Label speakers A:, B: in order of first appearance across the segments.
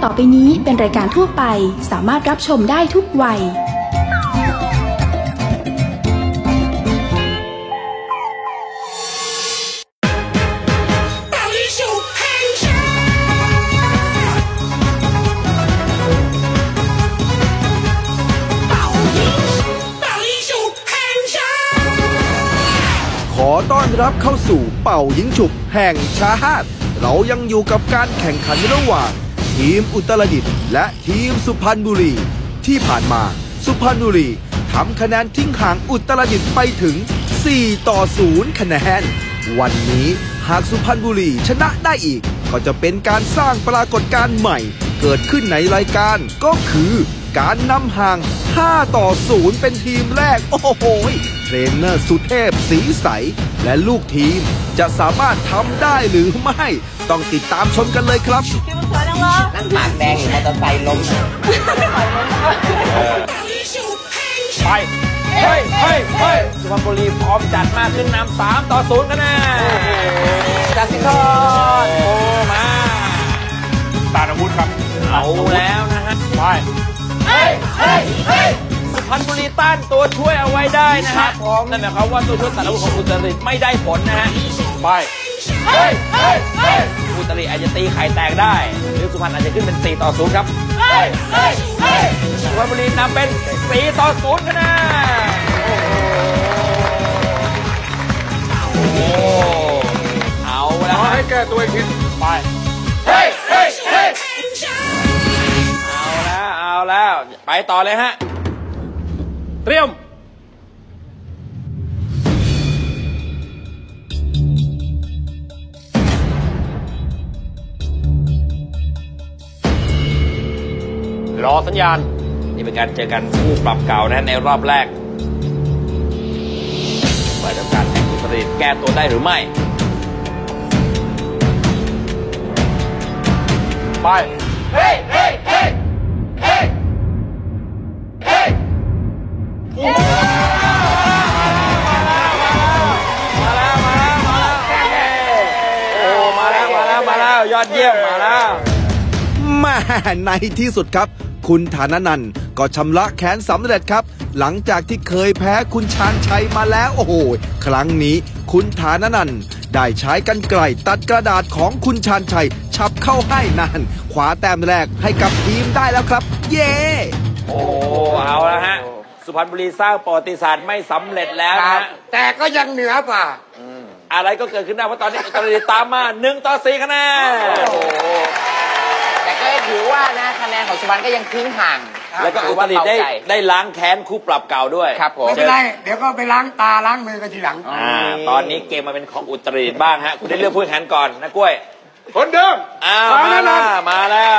A: ต่อไปนี้เป็นรายการทั่วไปสามารถรับชมได้ทุกวัย
B: ขอต้อนรับเข้าสู่เป่ายิงฉุบแห่งชาติเรายังอยู่กับการแข่งขันระหว่างทีมอุตรดิตถ์และทีมสุพรรณบุรีที่ผ่านมาสุพรรณบุรีทำคะแนนทิ้งห่างอุตรดิตถ์ไปถึง4-0คะแนนวันนี้หากสุพรรณบุรีชนะได้อีกก็จะเป็นการสร้างปรากฏการณ์ใหม่เกิดขึ้นในรายการก็คือการนำห่าง5-0เป็นทีมแรกโอ้โหเทรนเนอร์สุเทพศรีใสและลูกทีมจะสามารถทำได้หรือไม่ต้องติดตามชมกันเลยครับ
C: นั่งปากแดงมอเตอร์ไซค์ล้ม
D: ไปเฮ้ยสุพรรณบุรีพร้อมจัดมากขึ้นนำ3-0คะแนน
C: จากสิงห์ทอด
D: โอ้มา
E: ตาอาวุธครับ
D: เอาแล้วนะฮะไปสุพรรณบุรีต้านตัวช่วยเอาไว้ได้นะฮะนั่นหมายความว่าตัวช่วยตัดอาวุธของอุตรดิตถ์ไม่ได้ผลนะฮะไปอุตรดิตถ์อาจจะตีไข่แตกได้หรือสุพรรณอาจจะขึ้นเป็น4-0ครับสุพรรณบุรีนำเป็น4-0คะแนนโอ้เอาแล้ว
E: ให้แก้ตัวอีกทีไป
D: เอาแล้วไปต่อเลยฮะเตรียม
E: รอสัญญาณ
D: นี่เป็นการเจอกันคู่ปรับเก่านะในรอบแรกว่าจะการแข่งอุตรดิตถ์แก้ตัวได้หรือไม่
E: ไป
D: มาแล้วยอดเยี่ยมมาแล้ว
B: มาในที่สุดครับคุณฐานันท์ก็ชำระแค้นสำเร็จครับหลังจากที่เคยแพ้คุณชาญชัยมาแล้วโอ้โหครั้งนี้คุณฐานันท์ได้ใช้กรรไกรตัดกระดาษของคุณชาญชัยฉับเข้าให้นั่นคว้าแต้มแรกให้กับทีมได้แล้วครับเย้
D: โอ้เอาแล้วฮะสุพรรณบุรีสร้างประวัติศาสตร์ไม่สำเร็จแล้วนะ
C: แต่ก็ยังเหนือกว่า
D: อะไรก็เกิดขึ้นได้เพราะตอนนี้อุตรดิตถ์ตามมา1-4คะแนน
C: แต่ก็ถือว่านะคะแนนของสุพรรณก็ยังทิ้งห่าง
D: แล้วก็อุตรดิตถ์ได้ล้างแค้นคู่ปรับเก่าด้วย
C: ครับผม
F: ไม่เป็นไรเดี๋ยวก็ไปล้างตาล้างมือกันทีหลัง
D: ตอนนี้เกมมาเป็นของอุตรดิตถ์บ้างฮะคุณได้เลือกผู้แข่งขันก่อนนะกล้วย
E: คนเดิม
D: มาแล้ว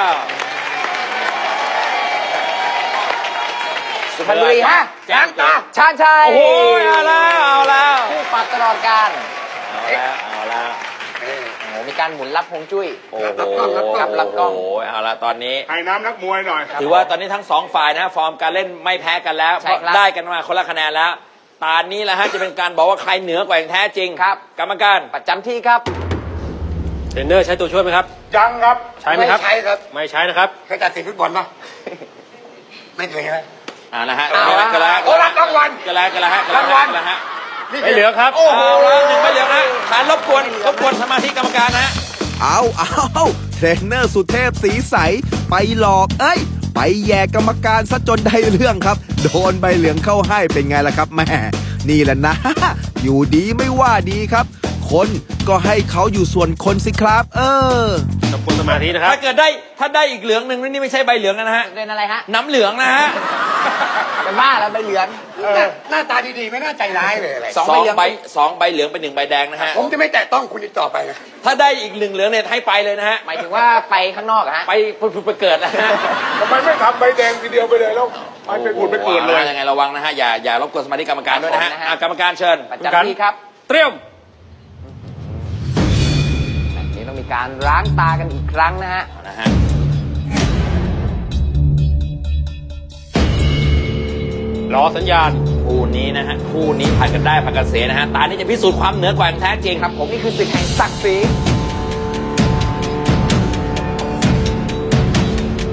C: สุพรรณบุรีฮะล้างตาชาญชัย
D: โอ้ยเอาแล้ว
C: คู่ปรับตลอดการ
D: เอาแล้ว
C: มีการหมุนรับฮวงจุ้ย
D: โอ้โห
C: รับกล้อง
D: โอ้ยเอาละตอนนี้
E: ให้น้ำนักมวยหน่อย
D: ถือว่าตอนนี้ทั้ง2ฝ่ายนะฟอร์มการเล่นไม่แพ้กันแล้วได้กันมาคนละคะแนนแล้วตอนนี้แหละฮะจะเป็นการบอกว่าใครเหนือกว่าอย่างแท้จริง
C: ครับ
D: กรรมการ
C: ประจำที่ครับ
D: เทรนเนอร์ใช้ตัวช่วยไหมครับ
E: ยังครับ
D: ใช้ไหมครับ
F: ไม่ใช้ครับ
D: ไม่ใช้นะครับ
F: เคยตัดสินฟุตบอลป่ะไม่เคยไหม
D: นะฮะ
F: ก็แล้วรับรางวัล
D: ก็แล้วฮะไม่เหลือครับ1ไม่เหลือนะฐานรบกวนสมาธิกรรมการนะ
B: เอาเทรนเนอร์สุเทพศรีใสไปหลอกไปแย่กรรมการซะจนได้เรื่องครับโดนใบเหลืองเข้าให้เป็นไงล่ะครับแม่นี่แหละนะอยู่ดีไม่ว่าดีครับคนก็ให้เขาอยู่ส่วนคนสิครับ
D: กับคนสมาธินะครับถ้าได้อีกเหลืองหนึ่งนี่ไม่ใช่ใบเหลืองนะฮะ
C: เป็นอะไรฮะ
D: น้ำเหลืองนะฮะ
C: เป็นบ้าแล้วใบเหลือง
F: หน้าตาดีๆไม่น่าใจร้ายเลยอะไร
D: 2ใบเหลืองเป็น1ใบแดงนะฮะ
F: ผมจะไม่แตะต้องคุณอีกต่อไปนะ
D: ถ้าได้อีก1เหลืองเนี่ยให้ไปเลยนะฮะ
C: หมายถึงว่าไปข้างนอกฮะ
D: ไปเกิดนะฮะ
E: ทำไมไม่ทำใบแดงทีเดียวไปเลยแล้วไปเกิดเลย
D: ยังไงระวังนะฮะอย่ารบกวนสมาธิกรรมการด้วยนะฮะกรรมการเชิญ
C: ประจำที่ครับ
D: เตรียม
C: นี่ต้องมีการล้างตากันอีกครั้งนะฮะ
D: รอสัญญาณคู่นี้นะฮะคู่นี้ผ่านกันได้ผ่านกันเสียนะฮะตานี้จะพิสูจน์ความเหนือกว่าแท้จริง
C: ครับผมนี่คือศึกแห่งศักดิ์ศรี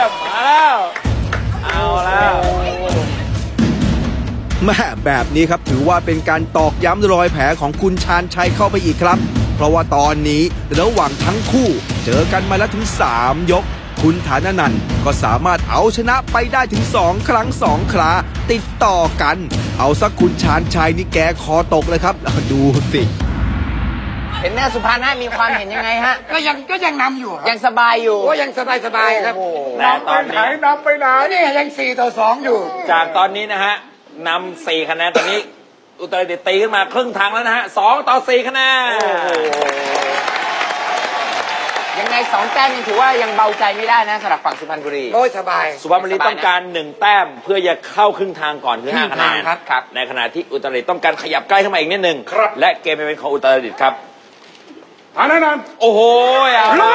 D: มาแล้วเอาแล้ว
B: แม่แบบนี้ครับถือว่าเป็นการตอกย้ำรอยแผลของคุณชาญชัยเข้าไปอีกครับ เพราะว่าตอนนี้ระหว่างทั้งคู่เจอกันมาแล้วถึง3 ยกคุณฐานนันท์ก็สามารถเอาชนะไปได้ถึง2 ครั้ง 2 คราติดต่อกันเอาสักคุณชาญชัยนี่แกคอตกเลยครับดูสิ
C: เห็นหน้าสุพรรณฮะมีความเห็นยังไงฮะ
F: ก็ยังนำอยู่
C: ยังสบายอยู่
F: โอ้ยังสบายครับ
D: แต่ตอนนี้
E: นำไปไหน
F: นี่ยัง4-2อยู่
D: จากตอนนี้นะฮะนำ4 คะแนนตอนนี้อุตรดิตถ์ตีขึ้นมาครึ่งทางแล้วนะฮะ2-4 คะแนน
C: ยังไง2 แต้มยังถือว่ายังเบาใจไม่ได้นะสำหรับฝั่งสุพรรณบุรี
F: โอ้ยสบาย
D: สุพรรณบุรีต้องการ1 แต้มเพื่อจะเข้าครึ่งทางก่อนคือ5 คะแนน
C: ครับ
D: ในขณะที่อุตรดิตถ์ต้องการขยับใกล้เข้ามาอีกนิดนึงและเกมเป็นของอุตรดิตถ์ครับ
E: ฐานนันท์
D: โอ้โหเอาละ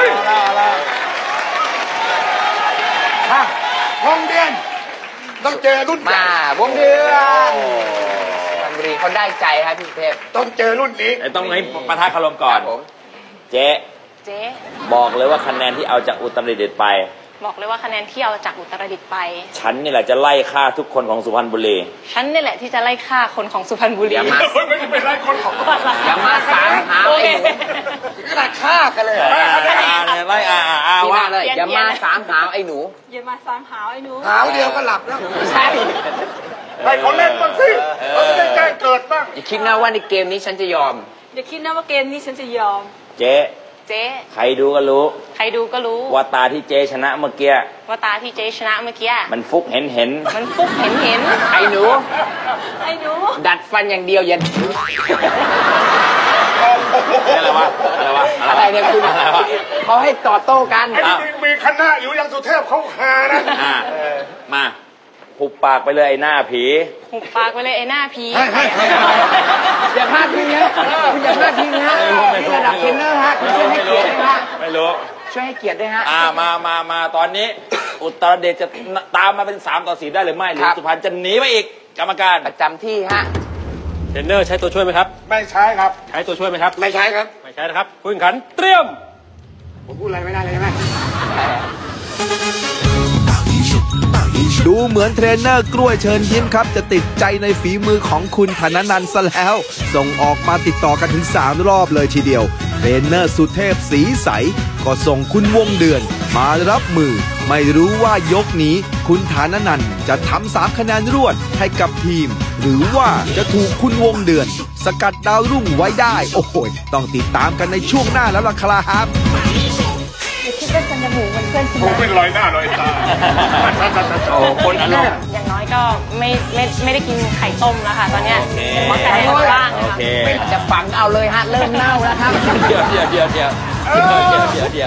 F: วงเดือนต้องเจอรุ่น
C: มาวงเดือนสุพรรณบุรีเขาได้ใจครับพี่เทพ
F: ต้องเจอรุ่นนี้
D: ต้องให้ปะทะคารมก่อนเจ๊บอกเลยว่าคะแนนที่เอาจากอุตรดิตถ์ไป
G: บอกเลยว่าคะแนนที่เอาจากอุตรดิตถ์ไป
D: ฉันนี่แหละจะไล่ฆ่าทุกคนของสุพรรณบุรี
G: ฉันนี่แหละที่จะไล่ฆ่าคนของสุพรรณบุรี
C: อย่ามา
E: ไม่ไล่คนของ
C: อย่ามาสามหาไอ้หนู
F: ขนาดฆ่ากันเลย
D: ไล่
C: ว่าเลยอย่ามาสามหาไอ้หนู
G: อย่ามาสามหาไอ้หนู
F: หาวเดียวก็หลับแล้ว
C: ใช่
E: ให้เขาเล่นบ้างสิเขาจะได้แจ้งเกิดบ้าง
C: อย่าคิดนะว่าในเกมนี้ฉันจะยอม
G: อย่าคิดนะว่าเกมนี้ฉันจะยอม
D: เจ๊ใครดูก็รู้ว่าตาที่เจ๊ชนะเมื่อกี้มันฟุกเห็น
C: ไอ้หนูดัดฟันอย่างเดียวยันอะไรเนี่ยคุณเขาให้ต่อโต้กัน
E: ไอ้นี่มีคณะอยู่ยังสุเทพเขาหานะ
D: มาหุบปากไปเลยไอ้หน้าผี
C: อย่าพลาดทิ้งนะคุณอย่าพลาดทิ้งนะนี่ระดับเทรนเนอร์ฮะคุณช่วยให้เกียรติด้วยฮะ
D: ไม่รู้
C: ช่วยให้เกียรติด้วยฮะ
D: มาตอนนี้อุตรดิตถ์จะตามมาเป็น3-4ได้หรือไม่หรือสุพรรณจะหนีไปอีกกรรมการ
C: ประจำที่ฮะ
D: เทรนเนอร์ใช้ตัวช่วยไหมครับ
E: ไม่ใช้ครับ
D: ใช้ตัวช่วยไหมครับ
F: ไม่ใช้ครับ
D: ไม่ใช้นะครับผู้แข่งขันเตรียม
F: ผมพูดอะไรไม่ได้เลยใช่ไหม
B: ดูเหมือนเทรนเนอร์กล้วยเชิญยิ้มครับจะติดใจในฝีมือของคุณธนนันท์ซะแล้วส่งออกมาติดต่อกันถึง3 รอบเลยทีเดียวเทรนเนอร์สุเทพศรีใสก็ส่งคุณวงเดือนมารับมือไม่รู้ว่ายกนี้คุณธนนันท์จะทำ3 คะแนนรวดให้กับทีมหรือว่าจะถูกคุณวงเดือนสกัดดาวรุ่งไว้ได้โอ้โหต้องติดตามกันในช่วงหน้าแล้วล่ะครับ
G: คิดว่าฉันจะหูเหมือนเพื่อนฉัน
E: เป็นรอยหน้ารอยตา
D: คนอารมณ์
G: อย่างน้อยก็ไม่ได้กินไข่ต้มแล้วค่ะตอนเนี้ยมอสไข่บ้างนะคะ
C: จะฝังเอาเลยฮะเริ่มเน่าแล้วครับ
D: เดี๋ยว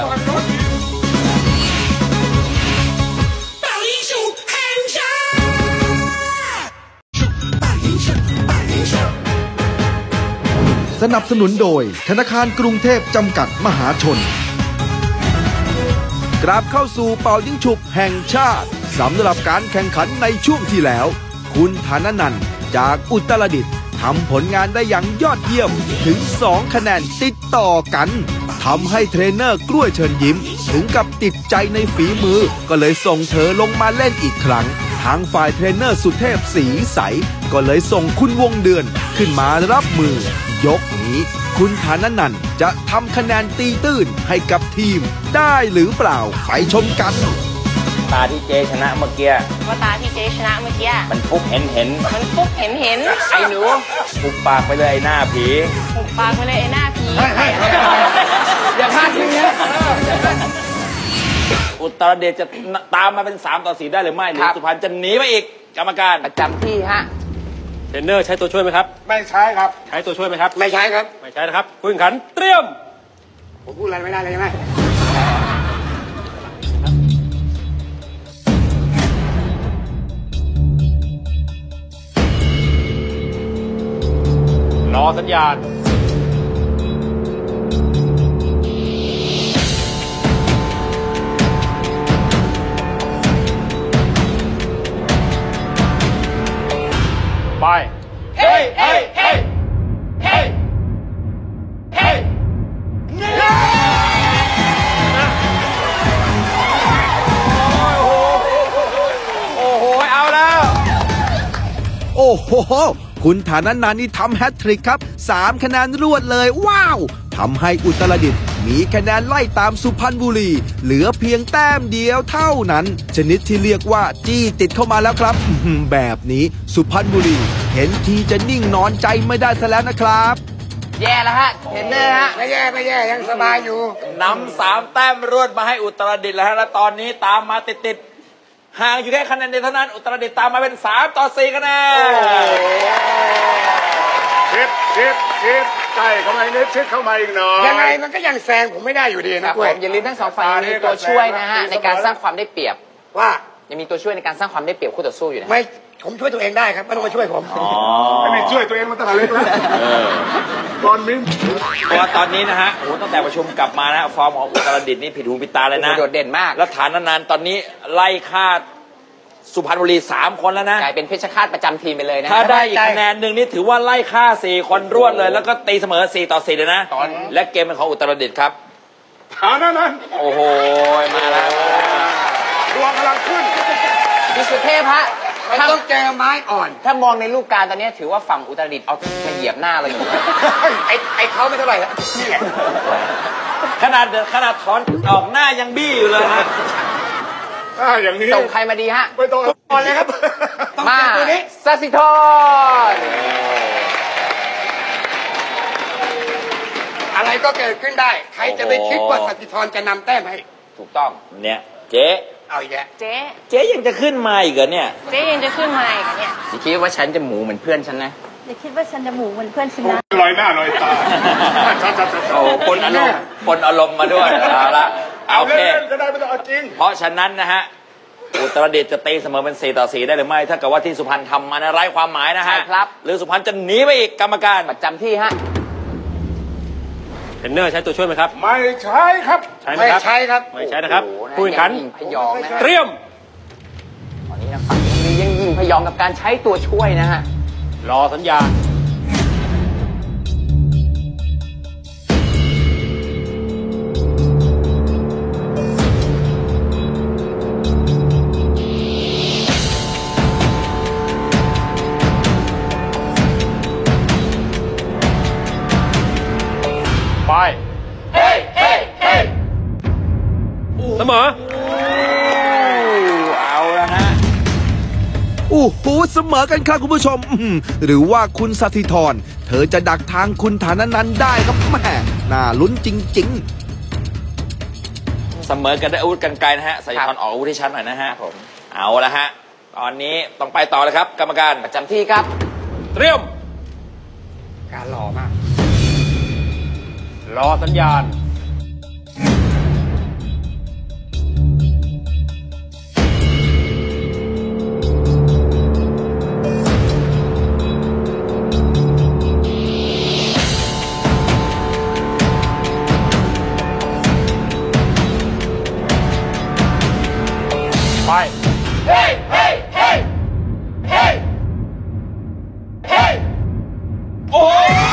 B: สนับสนุนโดยธนาคารกรุงเทพจำกัดมหาชนกลับเข้าสู่เป่ายิงฉุบแห่งชาติสำหรับการแข่งขันในช่วงที่แล้วคุณธนนันท์จากอุตรดิตถ์ทำผลงานได้อย่างยอดเยี่ยมถึง2 คะแนนติดต่อกันทำให้เทรนเนอร์กล้วยเชิญยิ้มถึงกับติดใจในฝีมือก็เลยส่งเธอลงมาเล่นอีกครั้งทางฝ่ายเทรนเนอร์สุเทพศรีใสก็เลยส่งคุณวงเดือนขึ้นมารับมือยกนี้คุณธนนันท์จะทำคะแนนตีตื้นให้กับทีมได้หรือเปล่าไปชมกัน
D: ตาที่เจ๊ชนะเมื่อกี้มันฟุกเห็นไ
C: อ้หนู
D: หุบปากไปเลยไอ้หน้าผี
C: อย่าพลาดทิ้งนะ
D: อุตรดิตถ์จะตามมาเป็น3-4ได้หรือไม่หรือสุพรรณจะหนีไปอีกกรรมการ
C: ประจำที่ฮะ
D: เทรนเนอร์ใช้ตัวช่วยไหมครับ
E: ไม่ใช้ครับ
D: ใช้ตัวช่วยไหมครับ
F: ไม่ใช้ครับ
D: ไม่ใช้นะครับผู้แข่งขันเตรียม
F: ผมพูดอะไรไม่ได้เลยใช่ไหม
D: รอสัญญาณไปเฮ้เฮ้เฮ้เฮ้เฮ้โอ้โห
B: อ้โหคุณฐานันท์นี่ทำแฮตทริกครับ3คะแนนรวดเลยว้าวทำให้อุตรดิตถ์มีคะแนนไล่ตามสุพรรณบุรีเหลือเพียงแต้มเดียวเท่านั้นชนิดที่เรียกว่าจี้ติดเข้ามาแล้วครับแบบนี้สุพรรณบุรีเห็นทีจะนิ่งนอนใจไม่ได้ซะแล้วนะครับ
C: แย่แล้วฮะเทรนเนอร์ฮะ
F: ไม่แย่ยังสบายอยู่
D: นำ3 แต้มรวดมาให้อุตรดิตถ์แล้วฮะและตอนนี้ตามมาติดห่างอยู่แค่คะแนนเดียวเท่านั้นอุตรดิตถ์ตามมาเป็น3-4คะแนน
E: ชิดใกล้เข้ามานิดชิดเข้ามาอีกหน่อย
F: ยังไงมันก็ยังแซงผมไม่ได้อยู่ดีนะ
C: ผมอย่าลืมทั้ง2 ฝ่ายยังมีตัวช่วยนะฮะในการสร้างความได้เปรียบ
F: ว่า
C: ยังมีตัวช่วยในการสร้างความได้เปรียบคู่ต่อสู้อยู่นะ
F: ไม่ผมช่วยตัวเองได้ครับไม่ต้องมาช่วยผม
E: ไม่ช่วยตัวเองมาตั้งแต่เล็กแล้วตอนมิ้น
D: เพราะว่าตอนนี้นะฮะโอ้ตั้งแต่ประชุมกลับมานะฟอร์มของอุตรดิตถ์นี่ผิดหูผิดตาเลยนะ
C: โดดเด่นมาก
D: แล้วฐานนานๆตอนนี้ไล่ฆ่าสุพรรณบุรี3 คนแล้วนะ
C: กลายเป็นเพชรฆาตประจำทีมไปเลยนะ
D: ถ้าได้อีกคะแนนหนึ่งนี่ถือว่าไล่ฆ่า4 คนรวดเลยแล้วก็ตีเสมอ4-4เลยนะและเกมเป็นของอุตรดิตถ์ครับ
E: ฐานนั้น
D: โอ้โหมาแล้ว
E: ดวงกำลังขึ้น
C: พิสุเทพฮะ
F: มันต้องเจอไม้อ่อน
C: ถ้ามองในลูกการตอนนี้ถือว่าฝั่งอุตรดิตถ์เอามาเหยียบหน้าเราอยู่
F: ไอ้เขาไม่เท่าไหร่แล้วนี่แหละ
D: ขนาดถอนออกหน้ายังบี้อยู่เลยฮะ
E: อย่างนี้
C: ส่งใครมาดีฮะ
E: ไม่ต้องก่อนเลยครับ
C: มาตัวนี้สัสิธร
F: อะไรก็เกิดขึ้นได้ใครจะไปคิดว่าสัสิธรจะนำแต้มให้
D: ถูกต้องเนี่ยเจ๊
F: เอาอีกแล้ว
D: เจ๊ยังจะขึ้นมาอีกเหรอเนี่ย
G: เจ๊ยังจะขึ้นมาอีกเนี่ย
C: อย่าคิดว่าฉันจะหมูเหมือนเพื่อนฉันนะ
G: อย่าคิดว่าฉันจะหมูเหมือนเพื่อนฉันนะ
E: ลอยหน้าลอยตา
D: โอ้ปนอารมณ์มาด้วยเอาละ
E: โอเคก็ได้ไม่ต้องเอาจริง
D: เพราะฉะนั้นนะฮะอุตรดิตถ์จะตีเสมอเป็น4-4ได้หรือไม่ถ้าเกิดว่าที่สุพรรณทำมาไร้ความหมายนะฮะ
C: ครับ
D: หรือสุพรรณจะหนีไปอีกกรรมการ
C: ประจำที่ฮะ
D: เทรนเนอร์ใช้ตัวช่วยไหมครับ
E: ไม่ใช่ครับ
F: ไม่ใช่ครับ
D: ไม่ใช่นะครับผู้แข่งขัน
C: พยอง
D: เตรียม
C: ตอนนี้นะฝั่งนี้ยังยิงพยองกับการใช้ตัวช่วยนะฮะ
D: รอสัญญาณไปเสมอเอาแล้วฮะ
B: โอ้โหเสมอกันครับคุณผู้ชมหรือว่าคุณสัสิธรเธอจะดักทางคุณฐานันท์ได้ครับแม่น่าลุ้นจริง
D: ๆเสมอกันได้อาวุธกันไกลนะฮะสัสิธรออกอาวุธให้ชัดหน่อยนะฮะผมเอาละฮะตอนนี้ต้องไปต่อเลยครับกรรมการ
C: ประจำที่ครับ
D: เตรียม
F: การรอมาก
D: รอสัญญาณไปเฮ้โอ้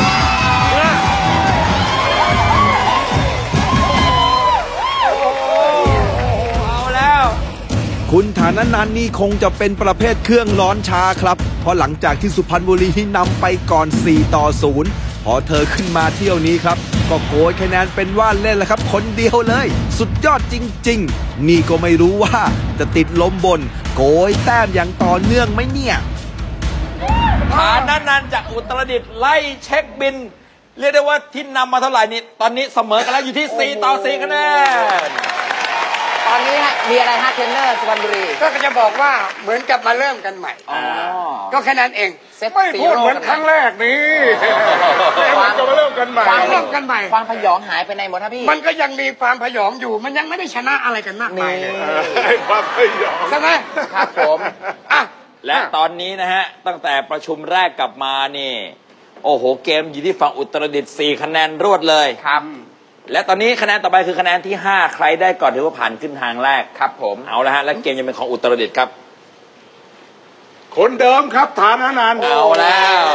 B: คุณฐานันท์นี่คงจะเป็นประเภทเครื่องร้อนช้าครับเพราะหลังจากที่สุพรรณบุรีนำไปก่อน4-0พอเธอขึ้นมาเที่ยวนี้ครับก็โกยคะแนนเป็นว่าเล่นแล้วครับคนเดียวเลยสุดยอดจริงๆนี่ก็ไม่รู้ว่าจะติดลมบนโกยแต้มอย่างต่อเนื่องไหมเนี่ย
D: ฐานันท์จากอุตรดิตถ์ไล่เช็คบินเรียกได้ว่าที่นำมาเท่าไหร่นี่ตอนนี้เสมอกันแล้วอยู่ที่4-4คะแนน
C: ตอนนี้มีอะไรฮะเทรนเนอร์สุพรรณบุรี
F: ก็จะบอกว่าเหมือนกับมาเริ่มกันใหม่ก็แค่นั้นเอง
E: ไม่พูดเหมือนครั้งแรกนี้จะมาเริ่มกันใหม่
C: ความพยองหายไปในหมดครับพี่
F: มันก็ยังมีความพยองอยู่มันยังไม่ได้ชนะอะไรกันมากมายเลย
E: ความพยอง
F: ใช่ไหม
C: ครับผม
D: และตอนนี้นะฮะตั้งแต่ประชุมแรกกลับมานี่โอ้โหเกมอยู่ที่ฝั่งอุตรดิตถ์4 คะแนนรวดเลย
C: ครับ
D: และตอนนี้คะแนนต่อไปคือคะแนนที่5ใครได้ก่อนถือว่าผ่านขึ้นทางแรก
C: ครับผม
D: เอาละฮะและเกมยังเป็นของอุตรดิตถ์ครับ
E: คนเดิมครับฐานันท์
D: เอาแล้ว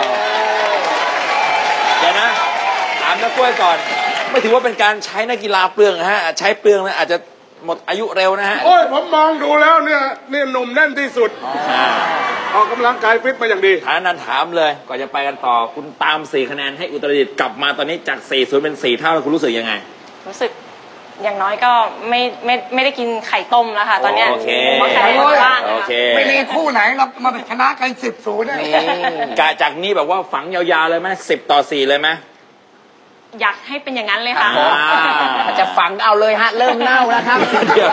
D: เดี๋ยวนะถามนักกล้วยก่อนไม่ถือว่าเป็นการใช้นักกีฬาเปลืองฮะใช้เปลืองนะอาจจะหมดอายุเร็วนะฮะ
E: โอ้ยผมมองดูแล้วเนี่ยหนุ่มแน่นที่สุดออกกำลังกายฟิตมาอย่างดี
D: ฐานันถามเลยก่อนจะไปกันต่อคุณตาม4 คะแนนให้อุตรดิตถ์กลับมาตอนนี้จาก4-0เป็น4 เท่าแล้วคุณรู้สึกยังไง
G: รู้สึกอย่างน้อยก็ไม่ได้กินไข่ต้มแล้วค่ะตอนเนี้ย
D: โอเค
G: เพราะไข่บ้าง
D: โอเค
F: ไม่มีคู่ไหนเรามาชนะกัน10-0ได้
D: กะจากนี้แบบว่าฝังยาวๆเลยไหม10-4เลยไหม
G: อยากให้เป็นอย่างนั้นเลยค่ะ
C: จะฝังเอาเลยฮะเริ่มเน่าแล้วครับ
D: เดี๋ยว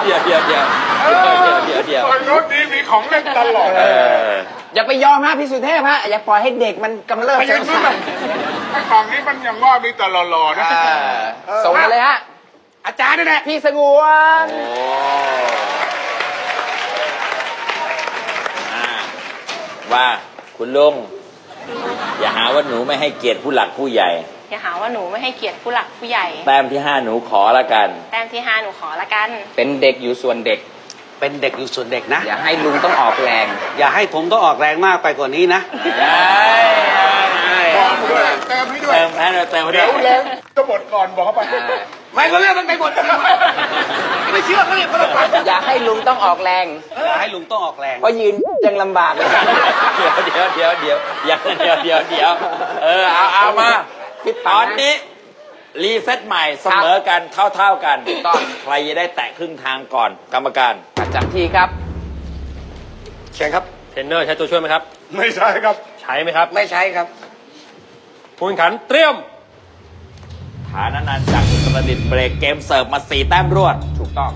E: ตอนรถนี้มีของเล่นตลอด
C: อย่าไปยอมฮะพี่สุเทพฮะอย่าปล่อยให้เด็กมันกำเริบ
E: ไปยืนนู่นนะไอ้ฝั่งนี้มันยังว่ามีแต่หล่อๆนะ
C: ส่งมาเลยฮะอาจารย์นี่แหละพี่สงวน
D: ว่าคุณลุงอย่าหาว่าหนูไม่ให้เกียรติผู้หลักผู้ใหญ่
G: อย่าหาว่าหนูไม่ให้เกียรติผู้หลักผู้ใหญ่
D: แต้มที่5หนูขอละกัน
G: แต้มที่5หนูขอละกัน
C: เป็นเด็กอยู่ส่วนเด็ก
F: เป็นเด็กอยู่ส่วนเด็กนะ
C: อย่าให้ลุงต้องออกแรง
F: อย่าให้ผมต้องออกแรงมากไปกว่านี้นะ
E: เติมให้ด้วย
D: เติมให้ด้วย
E: เดี๋ยวแล้วจะหมดก่อนบอกเขาไป
F: ไม่ก็เรื่องมันไปหมดไม่เชื่อเขาเลย
C: อย่าให้ลุงต้องออกแรง
F: อย่าให้ลุงต้องออกแรง
C: เพราะยืนยังลำบากเลย
D: เดี๋ยวเอามาตอนนี้รีเซ็ตใหม่เสมอกันเท่ากันใครจะได้แตะครึ่งทางก่อนกรรมการ
C: ประจำที่ครับ
F: เชิญครับ
D: เทรนเนอร์ใช้ตัวช่วยไหมครับ
E: ไม่ใช่ครับ
D: ใช้ไหมครับ
F: ไม่ใช้ครับ
D: ผู้แข่งขันเตรียมฐานันท์จากอุตรดิตถ์เบรกเกมเสิร์ฟมา4 แต้มรวด
C: ถูกต้อง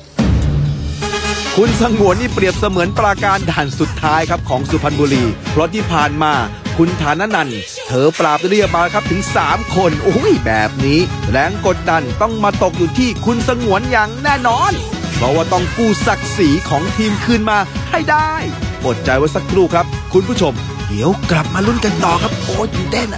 B: คุณสงวนนี่เปรียบเสมือนปราการด่านสุดท้ายครับของสุพรรณบุรีเพราะที่ผ่านมาคุณฐานันท์เธอปราบเรียบมาครับถึง3 คนโอ้ยแบบนี้แรงกดดันต้องมาตกอยู่ที่คุณสงวนอย่างแน่นอนเพราะว่าต้องกู้ศักดิ์ศรีของทีมคืนมาให้ได้อดใจไว้สักครู่ครับคุณผู้ชมเดี๋ยวกลับมาลุ้นกันต่อครับโอ้ยตื่นเต้น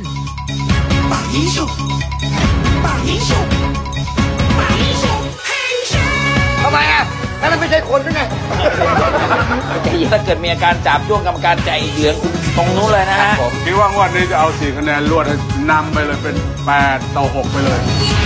F: ทำไมอ่ะนั่นมันไม่ใช่คนด้วยไง
D: ถ้าเกิดมีอาการจับจ้วงกรรมการใจเหลืองตรงนู้นเลยนะฮะ
E: ผมคิดว่างวดนี้จะเอา4 คะแนนรวดนำไปเลยเป็น8-6ไปเลย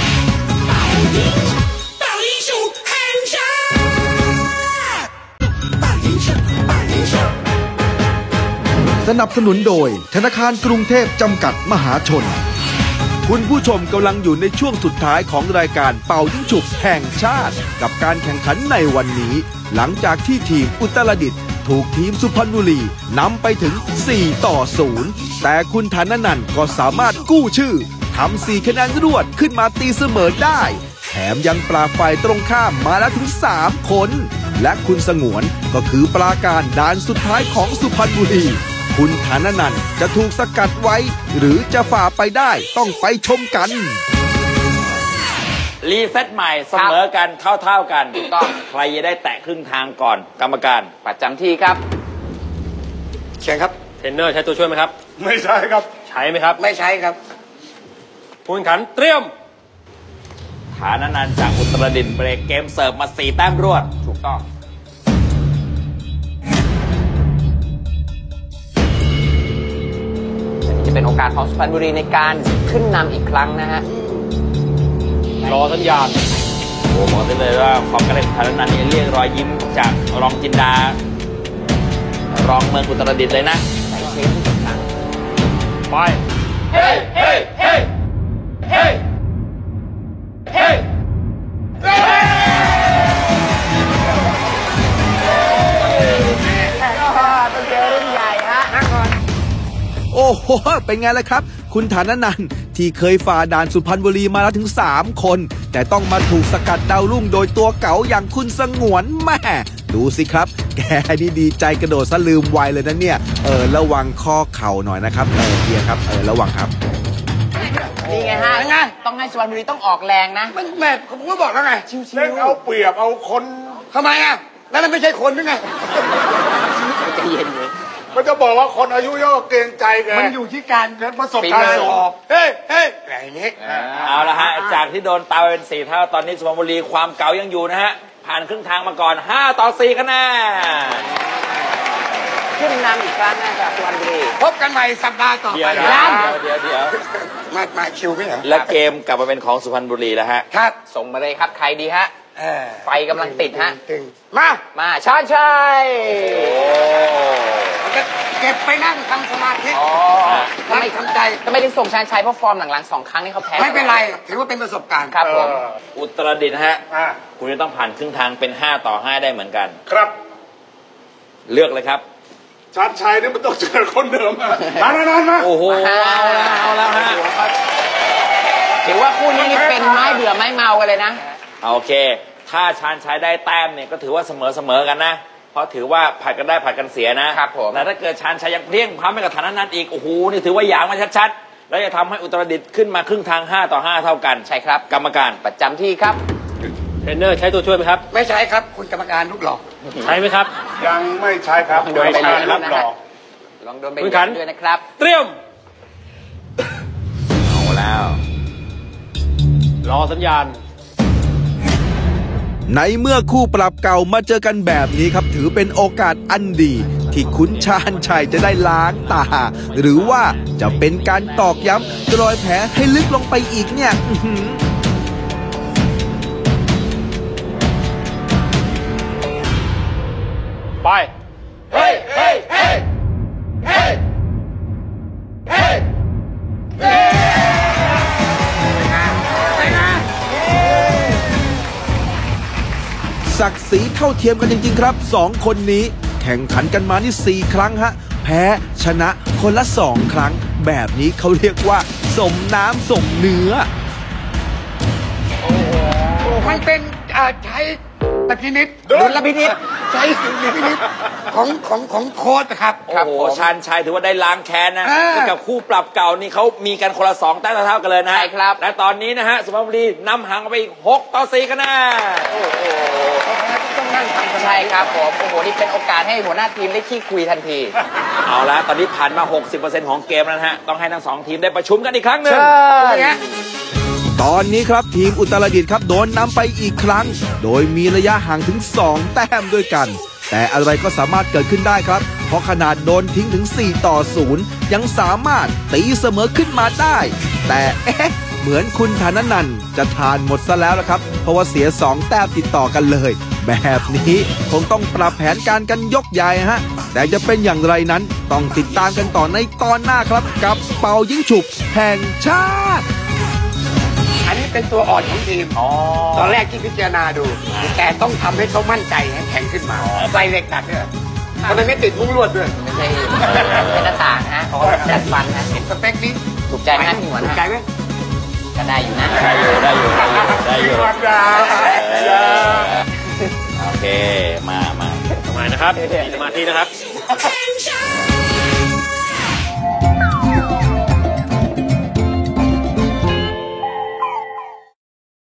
B: สนับสนุนโดยธนาคารกรุงเทพจำกัดมหาชนคุณผู้ชมกำลังอยู่ในช่วงสุดท้ายของรายการเป่ายิงฉุบแห่งชาติกับการแข่งขันในวันนี้หลังจากที่ทีมอุตรดิตถ์ถูกทีมสุพรรณบุรีนำไปถึง4-0แต่คุณฐานันท์ก็สามารถกู้ชื่อทำ4 คะแนนรวดขึ้นมาตีเสมอได้แถมยังปราบฝ่ายตรงข้ามมาแล้วถึง3 คนและคุณสงวนก็คือปราการด่านสุดท้ายของสุพรรณบุรีคุณฐานันท์จะถูกสกัดไว้หรือจะฝ่าไปได้ต้องไปชมกัน
D: รีเซ็ตใหม่เสมอกันเท่ากันใครจะได้แตะครึ่งทางก่อนกรรมการ
C: ประจำที่ครับ
F: เชิญครับ
D: เทรนเนอร์ใช้ตัวช่วยไหมครับ
E: ไม่ใช่ครับ
D: ใช้ไหมครับ
F: ไม่ใช้ครับ
D: ผู้แข่งขันเตรียมฐานันท์จากอุตรดิตถ์เบรกเกมเสิร์ฟมา4 แต้มรวด
C: ถูกต้องจะเป็นโอกาสของสุพรรณบุรีในการขึ้นนำอีกครั้งนะฮะ
D: รอสัญญาณโอ้บอกได้เลยว่าความกระเด็นฐานันท์นี่เรียกรอยยิ้มจากรองจินดารองเมืองอุตรดิตถ์เลยนะ
C: ใส่เชฟทุกครั้ง
D: ไปเฮ้เฮ้เฮ้เฮ้เฮ้
C: ต้องเจอรุ่นใหญ่ฮะนั่งก่อน
B: โอ้โหเป็นไงล่ะครับคุณฐานันท์ที่เคยฝ่าด่านสุพรรณบุรีมาแล้วถึง3 คนแต่ต้องมาถูกสกัดดาวรุ่งโดยตัวเก๋าอย่างคุณสงวนแม่ดูสิครับแกนี่ดีใจกระโดดซะลืมไวเลยนะเนี่ยระวังข้อเข่าหน่อยนะครับเฮียครับระวังครับ
C: นี่ไงฮะต้องให้สุพรรณบุรีต้องออกแรงนะ
F: แม่ผมก็บอกแล้วไง
E: ชิวๆเอาเปรียบเอาคน
F: ทำไมอ่ะนั่นมันไม่ใช่คนด้วยไง
C: ใจเย็นเลย
E: มันจะบอกว่าคนอายุเยอะเกรงใจแก
F: มันอยู่ที่การ
E: ประสบการณ์สูงเฮ้อะไรนี้
D: เอาละฮะจากที่โดนตาเป็น4 เท่าตอนนี้สุพรรณบุรีความเก่ายังอยู่นะฮะผ่านครึ่งทางมาก่อน5-4 คะแนน
C: ขึ้นนำอีกครั้งนะครับสุพรรณบุรี
F: พบกันใหม่สัปดาห์ต่อไป
D: เดี๋ยว
F: มาคิวไม่เหรอ
D: และเกมกลับมาเป็นของสุพรรณบุรีแล้วฮะ
C: ครับส่งมาเลยครับใครดีฮะไฟกำลังติดฮะ
F: มา
C: ชาญชัย
F: เก็บไปนั่งทำสมาธินั่งทำใจ
C: ทำไมถึงส่งชาญชัยเพราะฟอร์มหลังๆ2 ครั้งนี่เขาแพ้
F: ไม่เป็นไรถือว่าเป็นประสบการณ์
C: ครับผม
D: อุตรดิตถ์ฮะคุณจะต้องผ่านครึ่งทางเป็น5 ต่อ 5ได้เหมือนกัน
E: ครับ
D: เลือกเลยครับ
E: ชาญชัยนี่มันต้องเจอคนเดิมนานๆมา
D: โอ้โหเอาแล้วฮะ
C: ถือว่าคู่นี้นี่เป็นไม้เบื่อไม้เมากันเลยนะ
D: โอเค ถ้าชาญชัยได้แต้มเนี่ยก็ถือว่าเสมอกันนะเพราะถือว่าผัดกันได้ผัดกันเสียนะครับ
C: ผม
D: แต่ถ้าเกิดชาญชัยยังเพลี้ยงพล้ำไปกับฐานะนั้นอีกโอ้โหนี่ถือว่าหยางมาชัดๆแล้วจะทำให้อุตรดิตถ์ขึ้นมาครึ่งทาง5 ต่อ 5เท่ากัน
C: ใช่ครับ
D: กรรมการ
C: ประจำที่ครับ
H: เทรนเนอร์ใช้ตัวช่วยไหมครับ
F: ไม่ใช่ครับคุณกรรมการลูกหลอก
H: ใช้ไหมครับ
E: ยังไม่ใช่ครับ
C: โดนไป
E: ไม่
C: เลย
E: ใช่รับรอง
C: ลองโดนไป
H: คุณขัน
C: ด้วยนะครับ
H: เตรียม
D: เอาแล้ว
H: รอสัญญาณ
B: ในเมื่อคู่ปรับเก่ามาเจอกันแบบนี้ครับถือเป็นโอกาสอันดี ที่คุณชาญชัยจะได้ล้างตา หรือว่าจะเป็นการตอกย้ำรอยแผลให้ลึกลงไปอีกเนี่ย
H: ไป
E: เฮ้ยเฮ้ยเฮ้ยเฮ้ยเฮ้ย
B: ศักดิ์ศรีเท่าเทียมกันจริงๆครับ2 คนนี้แข่งขันกันมานี่4 ครั้งฮะแพ้ชนะคนละ2 ครั้งแบบนี้เขาเรียกว่าสมน้ำสมเนื้อ
F: มันเป็นใช้แต่พินิษ
C: ดุลพินิจ
F: ใช้ดุลพินิษของโค้ชนะครับ
D: โอ้โหชาญชัยถือว่าได้ล้างแค้นนะ
F: อ่า
D: กับคู่ปรับเก่านี่เขามีกันคนละ2 แต้มเท่ากันเลยนะ
C: ใช่ครับ
D: และตอนนี้นะฮะสุพรรณบุรีนำห่างไปอีก6 ต่อ 4คะแนน
F: ต้องนั่งทำสมาธิ
C: ใช่ครับผมโอ้โหนี่เป็นโอกาสให้หัวหน้าทีมได้ขี้คุยทันที
D: เอาละตอนนี้ผ่านมา 60% ของเกมแล้วนะฮะต้องให้ทั้ง2 ทีมได้ประชุมกันอีกครั้งหนึ่ง
B: ตอนนี้ครับทีมอุตรดิตถ์ครับโดนนำไปอีกครั้ง โดยมีระยะห่างถึง2 แต้มด้วยกัน แต่อะไรก็สามารถเกิดขึ้นได้ครับ เพราะขนาดโดนทิ้งถึง4 ต่อ 0ยังสามารถตีเสมอขึ้นมาได้ แต่เหมือนคุณธนนันท์จะทานหมดซะแล้วละครับเพราะว่าเสีย2 แต้มติดต่อกันเลย แบบนี้คงต้องปรับแผนการกันยกใหญ่ฮะแต่จะเป็นอย่างไรนั้นต้องติดตามกันต่อในตอนหน้าครับกับเป่ายิงฉุบแห่งชาติ
F: อันนี้เป็นตัวอ่อนของทีมตอนแรกที่พิจารณาดู แต่ต้องทำให้เขามั่นใจให้แข็งขึ้นมาใส่เหล็กดัดด้วยทำไมไม่ติดมุ้งลวดด้วย
C: ไม่ใช่เป็นหน้าต่างฮะเขาดัดฟันฮะ
F: เห็นสเปคนี้
C: ถูกใจไหมฮะพี่หมวน
F: ถูกใจไหม
C: ก็ได้อยู่นะ
D: ได้อยู่
E: ความยาว
D: โอเคมา
H: ทำไมนะครับมีสมาธินะครับ